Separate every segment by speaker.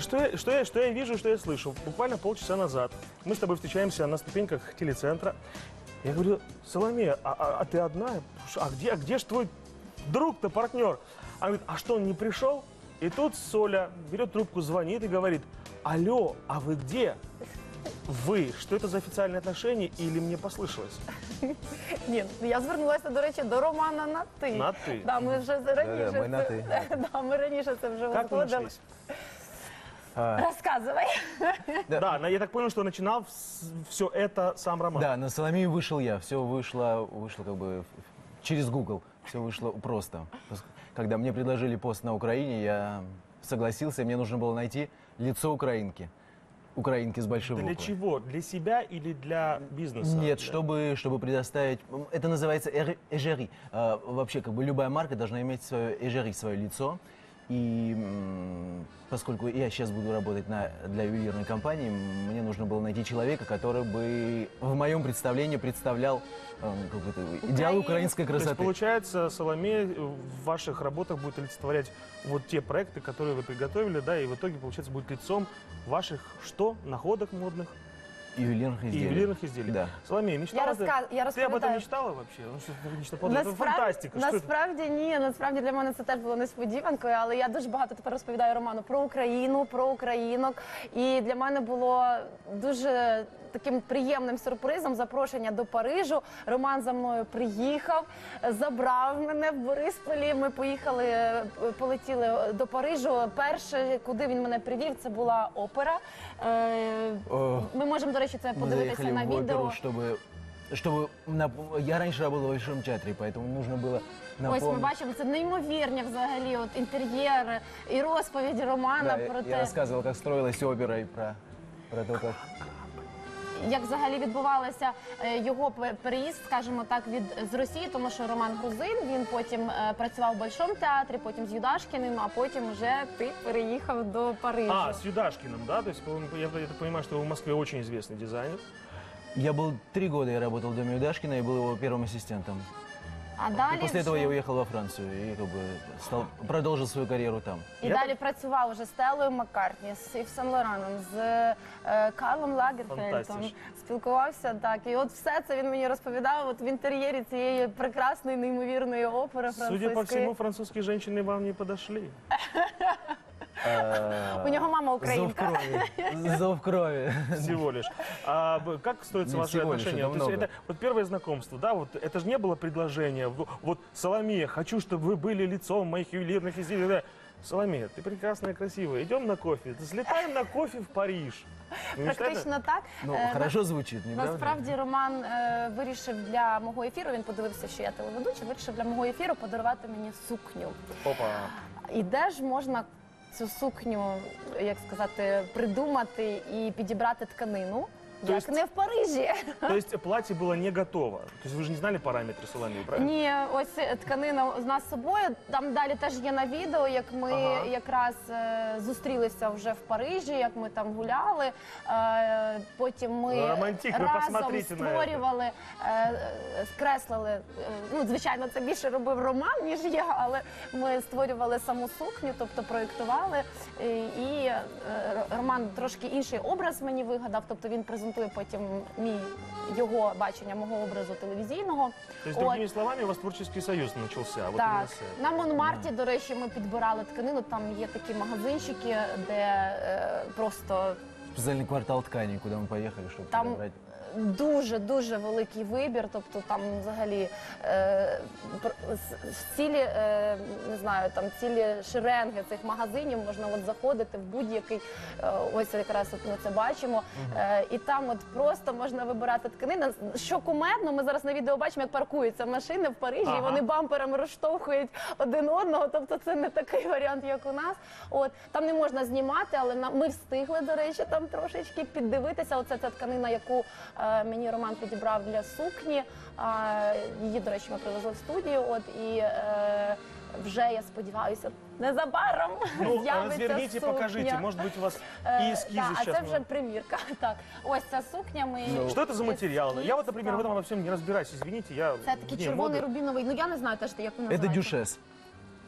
Speaker 1: что я вижу, что я слышу? Буквально полчаса назад мы с тобой встречаемся на ступеньках телецентра. Я говорю, Соломея, а ты одна? А где ж твой друг-то, партнер? Она говорит, а что, он не пришел? И тут Соля берет трубку, звонит и говорит, алло, а вы где? Ви, що це за офіційні отношения, или мені послышалось?
Speaker 2: Ні, я звернулася, до речі, до Романа на ти.
Speaker 1: На ти?
Speaker 2: Да, ми вже раніше,
Speaker 3: Да, ми на ти.
Speaker 2: Да, ми раніше це вже
Speaker 1: Как вы
Speaker 2: узгодили.
Speaker 1: нашлись?
Speaker 2: Розказувай.
Speaker 1: Да, я так понял, что начинал все это сам Роман.
Speaker 3: Да, на Соломею вышел я. Все вышло как бы через Google. Все вышло просто. Когда мне предложили пост на Украине, я согласился. Мне нужно было найти лицо украинки. Украинки с большой буквы.
Speaker 1: Для чего? Для себя или для бизнеса?
Speaker 3: Нет, чтобы предоставить... Это называется эгери. Вообще, как бы любая марка должна иметь свое эгери, свое лицо. И поскольку я сейчас буду работать для ювелирной компании, мне нужно было найти человека, который бы в моем представлении представлял идеал украинской
Speaker 1: То есть,
Speaker 3: красоты.
Speaker 1: получается, Соломея в ваших работах будет олицетворять вот те проекты, которые вы приготовили, да, и в итоге, получается, будет лицом ваших что? Находок модных?
Speaker 3: Ювелирных
Speaker 1: И
Speaker 3: изделий.
Speaker 1: ювелирных изделий.
Speaker 3: Да.
Speaker 1: Соломея, мечтала ты?
Speaker 2: Я
Speaker 1: Ты об этом
Speaker 2: розповідаю.
Speaker 1: мечтала вообще? Ну, что-то нечто подобное. Это фантастика. Что это?
Speaker 2: Насправді ні, насправді для мене це теж було несподіванкою, але я дуже багато тепер розповідаю Роману про Україну, про українок. І для мене було дуже таким приємним сюрпризом запрошення до Парижу. Роман за мною приїхав, забрав мене в Борисполі. Ми полетіли до Парижу. Перше, куди він мене привів, це була опера. Ми можемо, до речі, це
Speaker 3: Мы
Speaker 2: подивитися
Speaker 3: заехали
Speaker 2: на
Speaker 3: в оперу,
Speaker 2: відео.
Speaker 3: Я раньше работал в Большом театре, поэтому нужно было
Speaker 2: Ось ми
Speaker 3: напомнить.
Speaker 2: бачимо, це неймовірні взагалі от інтер'єр і розповіді Романа
Speaker 3: Да,
Speaker 2: про
Speaker 3: я
Speaker 2: те,
Speaker 3: рассказывал, как строилась опера и про то, как...
Speaker 2: як взагалі відбувався його переїзд, скажімо так, з Росії, тому що Роман грузин, він потім працював в Большому театрі, потім з Юдашкіним, а потім вже ти переїхав до Парижу.
Speaker 1: А, с Юдашкиным, да? То есть, я так понимаю, что вы в Москве очень известный дизайнер.
Speaker 3: Я был 3 года, я работал в доме Юдашкина и был его первым ассистентом.
Speaker 2: А
Speaker 3: И
Speaker 2: далі
Speaker 3: после этого
Speaker 2: вже-
Speaker 3: я уехал во Францию и как бы продолжил свою карьеру там.
Speaker 2: І далі працював вже з Стеллою Маккартні, з Ів Сен-Лораном, з Карлом Лагерфельдом,
Speaker 1: Фантастично.
Speaker 2: спілкувався так. І от все це він мені розповідав от в інтер'єрі цієї прекрасної, неймовірної опери французької.
Speaker 1: Судя по всему, французские женщины вам не подошли.
Speaker 2: У нього мама
Speaker 3: Зов
Speaker 2: українка.
Speaker 3: крови. Зов крови.
Speaker 1: Всего лишь. Как строятся
Speaker 3: Не
Speaker 1: ваши
Speaker 3: всего лишь,
Speaker 1: отношения?
Speaker 3: это
Speaker 1: То есть
Speaker 3: много.
Speaker 1: это вот первое знакомство, да, вот это же не было предложение. Вот, Соломея, хочу, чтобы вы были лицом моих ювелирных изделий. Да. Соломея, ты прекрасная, красивая. Идем на кофе. Слетаем на кофе в Париж. Ну,
Speaker 2: Практично так.
Speaker 3: Ну, хорошо звучит, не правда?
Speaker 2: Насправді Роман вирішив для мого ефіру, він подивився, що я телеведуча, вирішив для мого ефіру подарувати мені сукню.
Speaker 1: Опа.
Speaker 2: І де ж можна цю сукню, як сказати, придумати і підібрати тканину, як
Speaker 1: есть-
Speaker 2: не в Парижі.
Speaker 1: То есть платье было не готово. То есть вы же не знали параметры Соломеи, правильно?
Speaker 2: Ні, ось тканина з нас з собою. Там далі теж є на відео, як ми
Speaker 1: Ага.
Speaker 2: якраз зустрілися вже в Парижі, як ми там гуляли. Потім ми
Speaker 1: Романтик, ви
Speaker 2: разом
Speaker 1: посмотрите на
Speaker 2: створювали, скреслили. Ну, звичайно, це більше робив Роман, ніж я, але ми створювали саму сукню, тобто проєктували. І Роман трошки інший образ мені вигадав, тобто він презентує потім його бачення мого образу телевізійного.
Speaker 1: То есть, другими словами, у вас творческий союз начался. Вот
Speaker 2: Так,
Speaker 1: именно с этого.
Speaker 2: на Монмарті, до речі, ми підбирали тканину, там є такі магазинчики, де просто
Speaker 3: Специальный квартал тканей, куда мы поехали, чтобы
Speaker 2: там
Speaker 3: подобрать.
Speaker 2: дуже великий вибір, тобто там взагалі цілі, не знаю, там цілі шеренги цих магазинів, можна от заходити в будь-який, ось якраз от ми це бачимо, і там от просто можна вибирати тканини. Що кумедно, ми зараз на відео бачимо, як паркуються машини в Парижі, і вони бамперами розштовхують один одного, тобто це не такий варіант, як у нас. От, там не можна знімати, але ми встигли, до речі, там трошечки піддивитися. Оце ця тканина, яку мені Роман підібрав для сукні. Її, до речі, ми привезли в студію. От, і вже, я сподіваюся, незабаром
Speaker 1: Ну,
Speaker 2: з'явиться
Speaker 1: разверните,
Speaker 2: сукня.
Speaker 1: покажите. Может быть, у вас и эскизы
Speaker 2: Да, а
Speaker 1: сейчас.
Speaker 2: це вже примірка. Так, ось ця сукня.
Speaker 1: Что это за материал?
Speaker 2: Ескіз,
Speaker 1: Я вот, например, в
Speaker 2: так.
Speaker 1: этом во всем не разбираюсь. Извините, я
Speaker 2: Це такий
Speaker 1: вне
Speaker 2: червоний
Speaker 1: моды.
Speaker 2: рубіновий, ну я не знаю теж, як він
Speaker 3: Это
Speaker 2: називається.
Speaker 3: дюшес.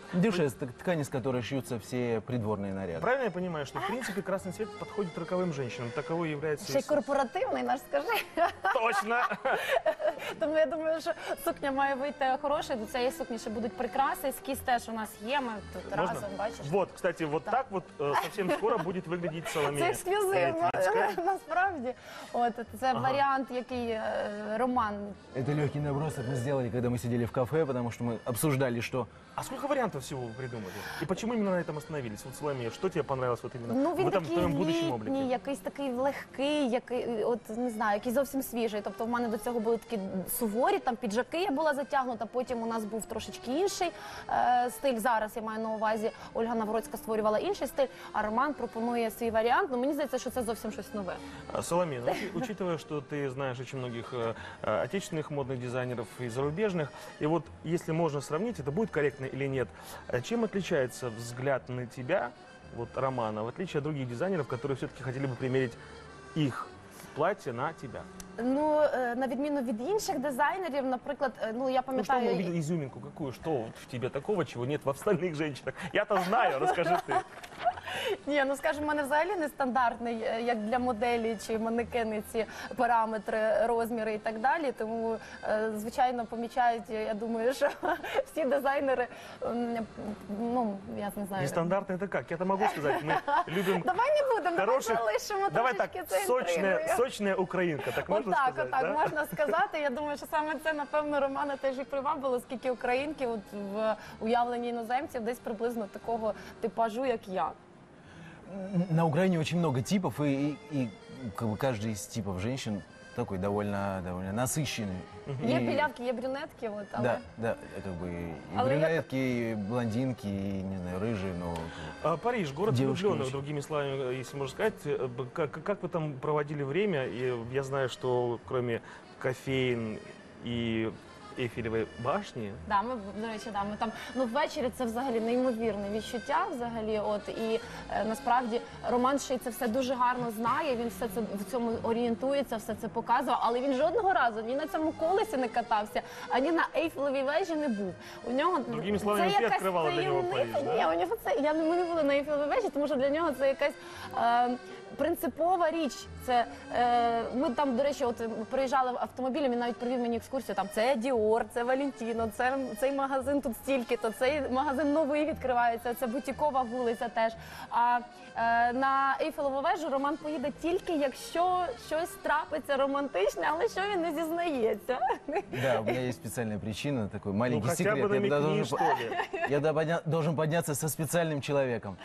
Speaker 3: Дюшес, ткань, из которой шьются все придворные наряды.
Speaker 1: Правильно я понимаю, что в принципе красный цвет подходит роковым женщинам? Таковой является...
Speaker 2: Ще й корпоративний наш, скажи.
Speaker 1: Точно!
Speaker 2: Тому я думаю, що сукня має вийти хороша. До цієї сукні ще будуть прикраси. Ескіз теж у нас є. Ми тут
Speaker 1: Можно?
Speaker 2: разом, бачиш.
Speaker 1: Вот, кстати, вот так вот совсем скоро будет выглядеть
Speaker 2: Це
Speaker 1: Соломея
Speaker 2: ексклюзивно,
Speaker 1: Вітвіцька.
Speaker 2: насправді. От, це варіант, який Роман.
Speaker 3: Это легкий набросок мы сделали, когда мы сидели в кафе, потому что мы обсуждали, что
Speaker 1: А сколько вариантов всего вы придумали? И почему именно на этом остановились? Вот, Соломея, что тебе понравилось вот именно
Speaker 2: Ну,
Speaker 1: в
Speaker 2: він
Speaker 1: этом
Speaker 2: такий
Speaker 1: твоем будущем
Speaker 2: літній,
Speaker 1: облике?
Speaker 2: якийсь такий легкий, який, от не знаю, який зовсім свіжий. Тобто в мене до цього були такі суворі, там піджаки я була затягнута, потім у нас був трошечки інший стиль. Зараз я маю на увазі, Ольга Навроцька створювала інший стиль, а Роман пропонує свій варіант. Ну, мені здається, що це зовсім щось нове.
Speaker 1: Соломея, ну, учитывая, что ты знаешь очень многих отечественных модных дизайнеров и зарубежных, и вот если можно сравнить, это будет корректно или нет, чем отличается взгляд на тебя, вот Романа, в отличие от других дизайнеров, которые все-таки хотели бы примерить их платье на тебя?
Speaker 2: Ну, на відміну від інших дизайнерів, наприклад, ну я
Speaker 1: Ну, что мы
Speaker 2: пам'ятаю.
Speaker 1: увидели изюминку какую? Что вот в тебе такого, чего нет в остальных женщинах? Я-то знаю, расскажи ты.
Speaker 2: Ні, ну скажімо, в мене взагалі нестандартний, як для моделі чи манекени ці параметри, розміри і так далі. Тому, звичайно, помічають, я думаю, що всі дизайнери, ну, я не знаю.
Speaker 1: Нестандартно это как? Я-то могу сказать, мы любим
Speaker 2: Давай не будемо, давай
Speaker 1: хороших...
Speaker 2: залишимо
Speaker 1: Давай так,
Speaker 2: трошечки це інтригою.
Speaker 1: сочная украинка, так можно
Speaker 2: Отак,
Speaker 1: сказать,
Speaker 2: отак,
Speaker 1: да?
Speaker 2: можна сказати. Я думаю, що саме це, напевно, Романа теж і привабило, оскільки українки от, в уявленні іноземців десь приблизно такого типажу, як я.
Speaker 3: на Украине очень много типов, и как бы каждый из типов женщин такой довольно насыщенный.
Speaker 2: Є
Speaker 3: И-
Speaker 2: білявки, є брюнетки, от, але...
Speaker 3: Да, как бы и
Speaker 2: Але я-
Speaker 3: брюнетки, и блондинки, и, не знаю, рыжие, но...
Speaker 1: Париж, город
Speaker 3: Девушки
Speaker 1: влюбленных,
Speaker 3: очень.
Speaker 1: другими словами, если можно сказать. Как вы там проводили время? И я знаю, что кроме кофеин и Эйфелевой башни,
Speaker 2: Да, ми, до речі, да, ми там, ну, ввечері це взагалі неймовірне відчуття, взагалі, от, і насправді Роман ще й це все дуже гарно знає, він все це в цьому орієнтується, все це показував, але він жодного разу ні на цьому колесі не катався, ані на Ейфелевій вежі не був. У нього
Speaker 1: Другими словами,
Speaker 2: це
Speaker 1: ти
Speaker 2: якась
Speaker 1: відкривала для нього
Speaker 2: таємниця.
Speaker 1: Париж, да?
Speaker 2: Ні, у нього це, ми не були на Ейфелевій вежі, тому що для нього це якась принципова річ. Це ми там, до речі, от приїжджали автомобілем, він навіть провів мені екскурсію. Там це Діор, це Валентіно, це цей магазин тут стільки-то, цей магазин новий відкривається, це бутікова вулиця теж. А на Ейфелеву вежу Роман поїде тільки, якщо щось трапиться романтичне, але що він не зізнається.
Speaker 3: Да, у меня есть специальная причина, такой
Speaker 1: ну
Speaker 3: маленький
Speaker 1: хотя
Speaker 3: секрет.
Speaker 1: бы
Speaker 3: Я туда
Speaker 1: намекни, что ли.
Speaker 3: должен подняться со специальным человеком.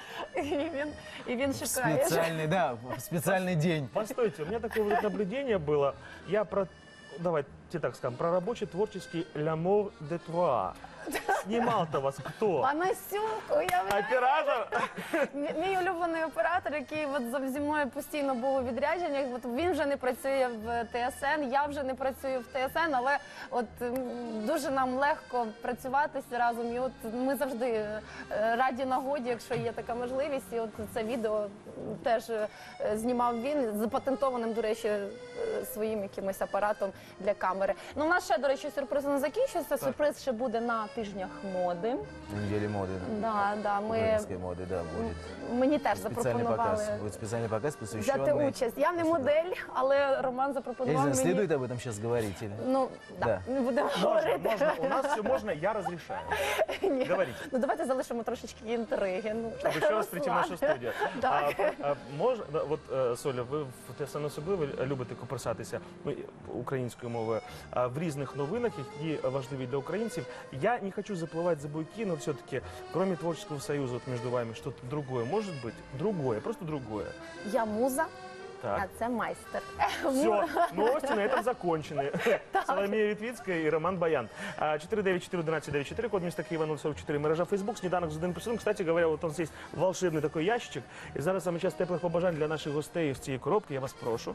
Speaker 2: І він
Speaker 3: В
Speaker 2: шукає.
Speaker 3: специальный, да, в специальный день.
Speaker 1: Постойте, у меня такое вот наблюдение было. Я про, давайте так скажем, про рабочий творческий «L'amour de toi». Снимал-то вас кто?
Speaker 2: Панасюк, уявляєш?
Speaker 1: Оператор?
Speaker 2: Мій улюблений оператор, який от зі мною постійно був у відрядженнях, от він вже не працює в ТСН, я вже не працюю в ТСН, але от дуже нам легко працюватися разом. І от ми завжди раді нагоді, якщо є така можливість. І от це відео теж знімав він, запатентованим, до речі, своїм якимось апаратом для камери. Ну, у нас ще, до речі, сюрприз не закінчується. Сюрприз ще буде на тижнях моди.
Speaker 3: Неделе моды.
Speaker 2: Да, ми...
Speaker 3: Украинской моды, да, будет.
Speaker 2: Мені теж
Speaker 3: Специальный
Speaker 2: запропонували
Speaker 3: показ. Будет специальный показ,
Speaker 2: взяти
Speaker 3: посвященный...
Speaker 2: участь. Я не модель, але Роман
Speaker 3: Я не
Speaker 2: запропонував
Speaker 3: знаю,
Speaker 2: мені.
Speaker 3: следует об этом сейчас говорить или...
Speaker 2: Ну,
Speaker 3: Да.
Speaker 2: да, не будемо
Speaker 1: Можно,
Speaker 2: говорити.
Speaker 1: можно. У нас все можно, я разрешаю.
Speaker 2: Ні.
Speaker 1: Говорите.
Speaker 2: Ну, давайте залишимо трошечки інтриги. Ну,
Speaker 1: Чтобы еще раз прийти в нашу студію.
Speaker 2: Так.
Speaker 1: Можна, от, Соля, ви в ТСН особливо любите копирсатися українською мовою в різних новинах, які важливі для українців. Я не хочу заплывать за буйки, но все-таки, кроме творческого союза вот между вами, что-то другое может быть? Другое, просто другое.
Speaker 2: Я муза, а
Speaker 1: Так.
Speaker 2: це майстер.
Speaker 1: Все, новости на этом закончены. Соломія Вітвіцька і Роман Баян. 494-1194, код міста Києва 044, мережа Фейсбук, сніданок з 1+1. Кстати говоря, вот у нас есть волшебный такой ящичек. І зараз саме час теплих побажань для наших гостей з цієї коробки. Я вас прошу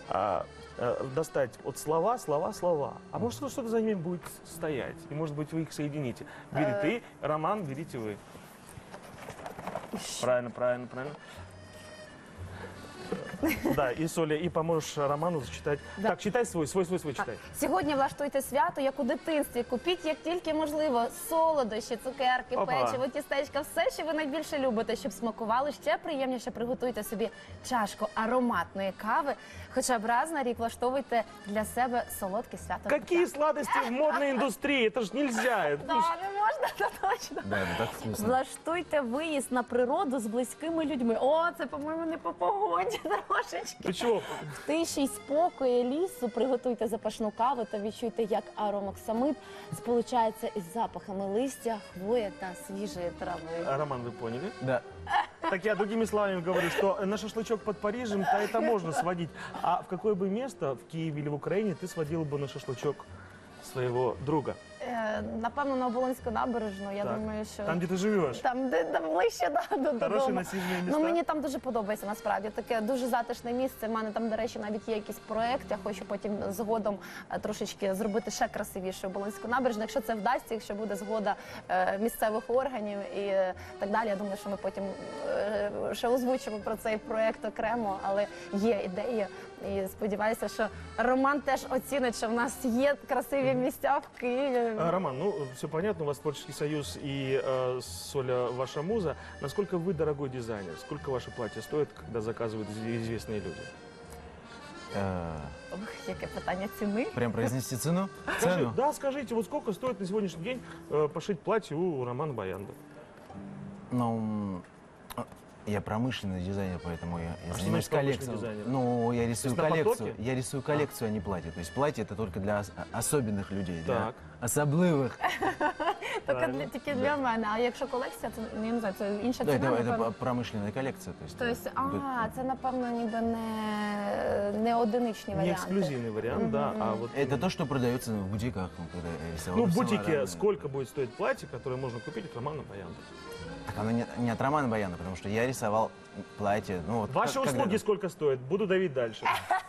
Speaker 1: достать вот слова. А может, что-то за ними будет стоять. И, может быть, вы их соедините. Бери ты, Роман, берите вы. Правильно. Да, и Соля, и поможешь Роману зачитать.
Speaker 2: Да.
Speaker 1: Так, читай свой читай.
Speaker 2: Сьогодні влаштуйте свято, як у дитинстві. Купіть, як тільки можливо, солодощі, цукерки,
Speaker 1: Опа.
Speaker 2: печиво, тістечка, все, що ви найбільше любите, щоб смакували. Ще приємніше приготуйте собі чашку ароматної кави. Хоча б раз на рік влаштовуйте для себе солодке свято.
Speaker 1: Какие сладости в модной индустрии? Это ж нельзя. Это
Speaker 2: Да,
Speaker 1: ж-
Speaker 2: не можна, це точно.
Speaker 3: Да, это так вкусно.
Speaker 2: Влаштуйте виїзд на природу з близькими людьми. О, це, по-моєму, не по погоді трошечки.
Speaker 1: Ты чего?
Speaker 2: В тиші й спокої лісу приготуйте запашну каву та відчуйте, як аромоксамит сполучається із запахами листя, хвої та свіжої трави.
Speaker 1: А, Роман, вы поняли?
Speaker 3: Да.
Speaker 1: Так я другими словами говорю, что на шашлычок под Парижем, то это можно сводить. А в какое бы место, в Киеве или в Украине, ты сводил бы на шашлычок своего друга?
Speaker 2: Напевно, на Оболонську набережну. Я
Speaker 1: Так.
Speaker 2: думаю, що
Speaker 1: Там, где ты живешь.
Speaker 2: там, де ближче
Speaker 1: Хорошие
Speaker 2: додому.
Speaker 1: насиженные места.
Speaker 2: Ну, мені там дуже подобається, насправді. Таке дуже затишне місце. У мене там, до речі, навіть є якийсь проєкт. Я хочу потім згодом трошечки зробити ще красивіше Оболонську набережну. Якщо це вдасться, якщо буде згода місцевих органів і так далі. Я думаю, що ми потім ще озвучимо про цей проєкт окремо, але є ідея. І сподіваюся, що Роман теж оцінить, що в нас є красиві місця в Києві.
Speaker 1: Роман, ну все понятно, у вас творческий союз и Соля ваша муза. Насколько вы дорогой дизайнер? Сколько ваше платье стоит, когда заказывают известные люди?
Speaker 2: Ох, яке питання ціни.
Speaker 3: Прям произнести цену?
Speaker 1: Скажи, да, скажите, вот сколько стоит на сегодняшний день пошить платье у Романа Баянда?
Speaker 3: Ну, я промышленный дизайнер, поэтому я
Speaker 1: что
Speaker 3: занимаюсь
Speaker 1: значит промышленный
Speaker 3: коллекцией.
Speaker 1: дизайнер?
Speaker 3: Ну, я рисую
Speaker 1: То есть на
Speaker 3: коллекцию.
Speaker 1: потоке?
Speaker 3: Я рисую коллекцию, а не платье. То есть платье это только для особенных людей, для
Speaker 1: Так.
Speaker 3: особливых.
Speaker 1: Правильно.
Speaker 2: Тільки для мене. А якщо колекція, це я не знаю, це інша
Speaker 3: Да,
Speaker 2: ціна.
Speaker 3: это
Speaker 2: напевно.
Speaker 3: промышленная коллекция. То есть,
Speaker 2: Тобто, це напевно ніби не одиничні
Speaker 1: Не
Speaker 2: варіанти.
Speaker 1: эксклюзивный вариант, да, а вот...
Speaker 3: это то, что продается в бутиках, ну, когда я рисовал.
Speaker 1: Ну, в
Speaker 3: рисовал
Speaker 1: бутике
Speaker 3: разные.
Speaker 1: сколько будет стоить платье, которое можно купить от Романа Баянда?
Speaker 3: Так оно не от Романа Баяна, потому что я рисовал платье. Ну, вот,
Speaker 1: Ваши услуги
Speaker 3: когда-то.
Speaker 1: сколько стоят? Буду давить дальше.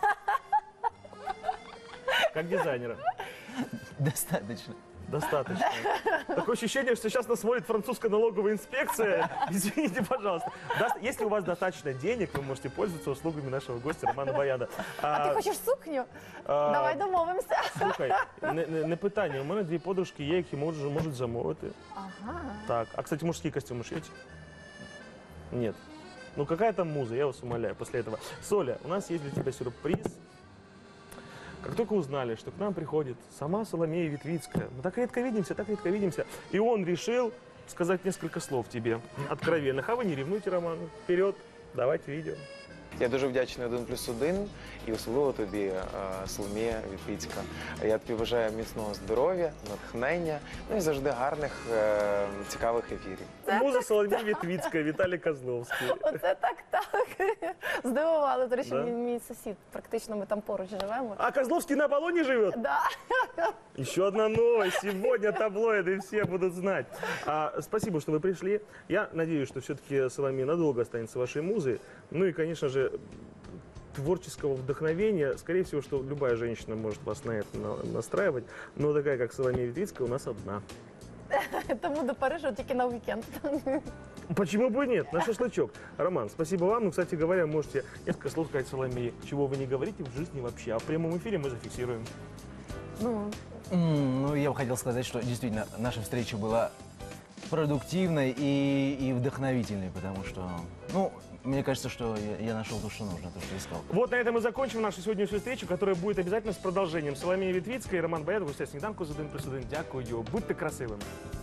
Speaker 1: Как дизайнера.
Speaker 3: Достаточно.
Speaker 1: Достаточно. Такое ощущение, что сейчас нас смотрит французская налоговая инспекция. Извините, пожалуйста. Если у вас достаточно денег, вы можете пользоваться услугами нашего гостя Романа Баяна.
Speaker 2: А ти хочеш сукню? Давай домовимося.
Speaker 1: Слухай, не питання. У мене дві подружки є, які можуть замовити.
Speaker 2: Ага.
Speaker 1: Так. А, кстати, мужские костюмы шьете? Нет. Ну, какая там муза, я вас умоляю, после этого. Соля, у нас есть для тебя сюрприз. Как только узнали, что к нам приходит сама Соломея Ветвицкая, мы так редко видимся, и он решил сказать несколько слов тебе, откровенных. А вы не ревнуйте, Роман. Вперед, давайте видео.
Speaker 4: Я дуже вдячний 1+1 і особливо тобі, Соломія Вітвіцька. Я тобі бажаю міцного здоров'я, натхнення, ну і завжди гарних, цікавих ефірів.
Speaker 1: Муза Соломея Ветвицкая, Віталій Козловський.
Speaker 2: Оце так. Здивували. До речі,
Speaker 1: Да?
Speaker 2: мій сусід. Практично ми там поруч живемо.
Speaker 1: А Козловский на Аполлоне живет?
Speaker 2: Да.
Speaker 1: Еще одна новость. Сегодня таблоиды все будут знать. Спасибо, что вы пришли. Я надеюсь, что все-таки Соломея надолго останется вашей музой. Ну и, конечно же, творческого вдохновения. Скорее всего, что любая женщина может вас на это настраивать. Но такая, как Соломея Ветвицкая, у нас одна.
Speaker 2: Тому до Парижу тільки на уікенд.
Speaker 1: Почему бы и нет? На шашлычок. Роман, спасибо вам. Ну, кстати говоря, можете несколько слов сказать Соломее, чего вы не говорите в жизни вообще. А в прямом эфире мы зафиксируем.
Speaker 3: Ну, я бы хотел сказать, что действительно наша встреча была продуктивной и вдохновительной, потому что, ну, мне кажется, что я нашел то, что нужно, то, что искал.
Speaker 1: Вот на этом мы закончим нашу сегодняшнюю встречу, которая будет обязательно с продолжением. Соломея Ветвицкая и Роман Баян. Гостя сніданку з 1+1. Дякую. Будьте красивими.